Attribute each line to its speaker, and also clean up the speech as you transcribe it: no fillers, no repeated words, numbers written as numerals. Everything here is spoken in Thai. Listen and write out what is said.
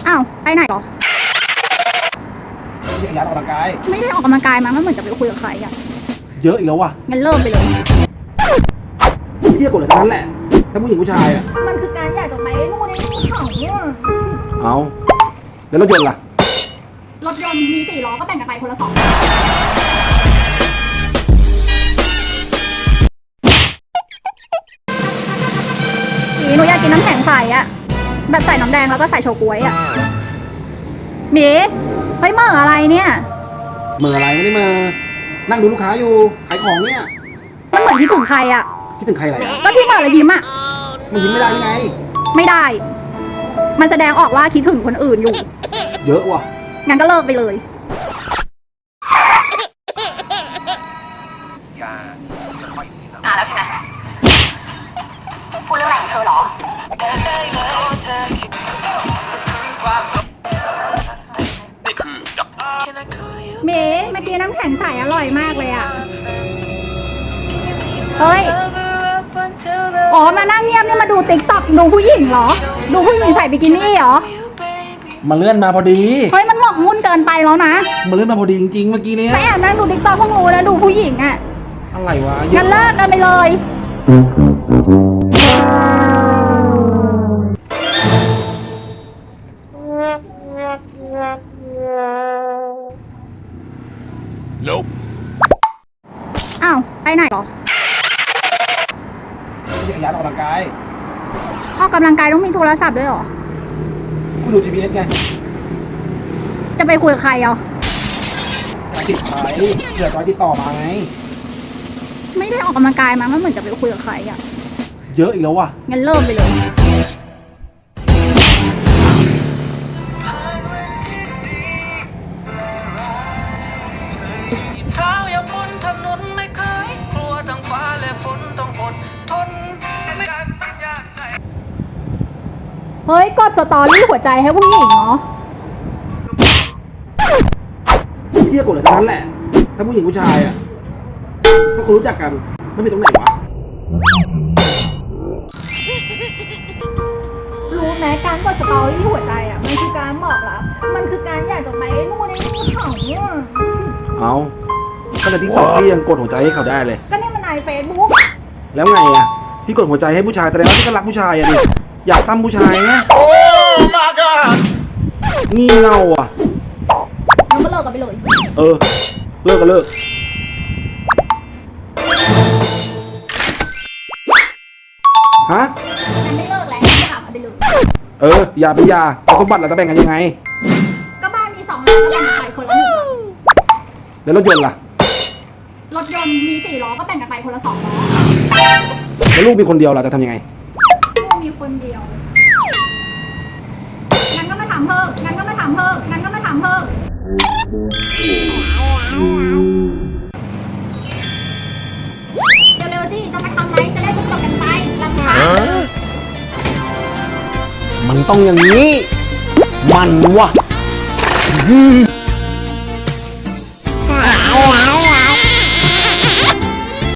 Speaker 1: อ้าวไปไหนหรอ
Speaker 2: จักรยานออกกำลังกาย
Speaker 1: ไม่ได้ออกกำลังกายมามันเหมือนจะไปคุยกับใครอะ
Speaker 2: เยอะอีกแล้ววะ
Speaker 1: งั้นเริ่มไปเลย
Speaker 2: เที่ยกดเลยทั้งนั้นแหละถ้าผู้หญิงผู้ชายอะ
Speaker 1: มันคือการอยากจะไปนู่นนี่ของเนี่ย
Speaker 2: เอาแล้วรถยนต์ล่ะ
Speaker 1: รถยนต์มี4 ล้อก็แบ่งกันไปคนละ2หนูอยากกินน้ำแข็งใสอะแบบใส่น้ำแดงแล้วก็ใส่โชกุยอะหมีเฮ้ยเมื่ออะไรเนี่ย
Speaker 2: เมื่ออะไรไม่ได้เมื่อนั่งดูลูกค้าอยู่ขายของเนี่ย
Speaker 1: มันเหมือนคิดถึงใครอะ
Speaker 2: คิดถึงใครอะไร
Speaker 1: ก็ที่เมื่อแล้วยิ้มอะ
Speaker 2: มันยิ้มไม่ได้ยังไง
Speaker 1: ไม่ได้มันแสดงออกว่าคิดถึงคนอื่นอยู่
Speaker 2: เยอะว่ะ
Speaker 1: งั้นก็เลิกไปเลยแล้วใช่ไหมพูดเรื่องอะไรของเธอหรอเมย์เมื่อกี้น้ำแข็งใสอร่อยมากเลยอ่ะเฮ้ยอ๋อมานั่งเงียบนี่มาดูติ๊กต็อกดูผู้หญิงเหรอดูผู้หญิงใส่บิกินี่เหรอ
Speaker 2: มาเลื่อนมาพอดี
Speaker 1: เฮ้ยมันหมกมุ่นเกินไปแล้วนะ
Speaker 2: มาเลื่อนมาพอดีจริงๆเมื่อกี้นี้
Speaker 1: ไปแอบนั่งดูติ๊กต็อกเพิ่งรู้นะดูผู้หญิงอ่ะ
Speaker 2: อะไรวะ
Speaker 1: งั้นเลิกกันไปเลยอ้าวไปไหนหรอ
Speaker 2: จักรยานออกกำลังกาย
Speaker 1: ออกกำลังกายต้องมีโทรศัพท์ด้วยหรอ
Speaker 2: คุณดู GPS ไง
Speaker 1: จะไปคุยกับใครอ่ะ
Speaker 2: ติดสายเผื่อจอยติดต่อมาไง
Speaker 1: ไม่ได้ออกกำลังกายมามันเหมือนจะไปคุยกับใครอ่ะ
Speaker 2: เยอะอีกแล้วว่ะ
Speaker 1: งั้นเริ่มไปเลยเฮ้ยกดสตอรี่หัวใจให้ผู้หญิงเนาะ
Speaker 2: เที่ยกดเลยทั้งนั้นแหละถ้าผู้หญิงผู้ชายอะถ้าคนรู้จักกันไม่มีตรงไหนวะ
Speaker 1: รู้ไหมการกดสตอรี่หัวใจอ่ะมันคือการบอกรักมันคือการอยากจะไปนู่นนี่ของเนี่ย
Speaker 2: เอาก็ในทิกตอกพี่ยังกดหัวใจให้เขาได้เลย
Speaker 1: ก็นี่มันในเฟซบุ๊ก
Speaker 2: แล้วไงอะพี่กดหัวใจให้ผู้ชายแสดงว่าพี่ก็รักผู้ชายอะดิอยากซ้ำผู้ชายไงโอ้ my god งี่เง่าอ่ะ
Speaker 1: เราก็เลิกกันไปเลย
Speaker 2: เลิกก็เลิกฮะ
Speaker 1: งั้นไม่เลิกแล้วไม่กลับมาไปเลย
Speaker 2: อย่าเป็นยาเอาสมบัติเราจะแบ่งกันยังไง
Speaker 1: ก็บ้านมี2 หลังก็แบ่งกันไปคนละ1 หลัง
Speaker 2: แล้วรถยนต์ล่ะ
Speaker 1: รถยนต์มี4 ล้อก็แบ่งกันไปคนละ2 ล้อ
Speaker 2: แล้วลูกมีคนเดียวล่ะจะทำยังไง
Speaker 1: ลูกมีคนเดียวงั้นก็ไม่ถามเพิ่มงั้นก็ไม่ถามเพิ่มงั้นก็ไม่ถามเพิ่มเร็วๆสิจะมาทำไรจะได้จบกันไปลำบาก
Speaker 2: มันต้องอย่างนี้มันวะ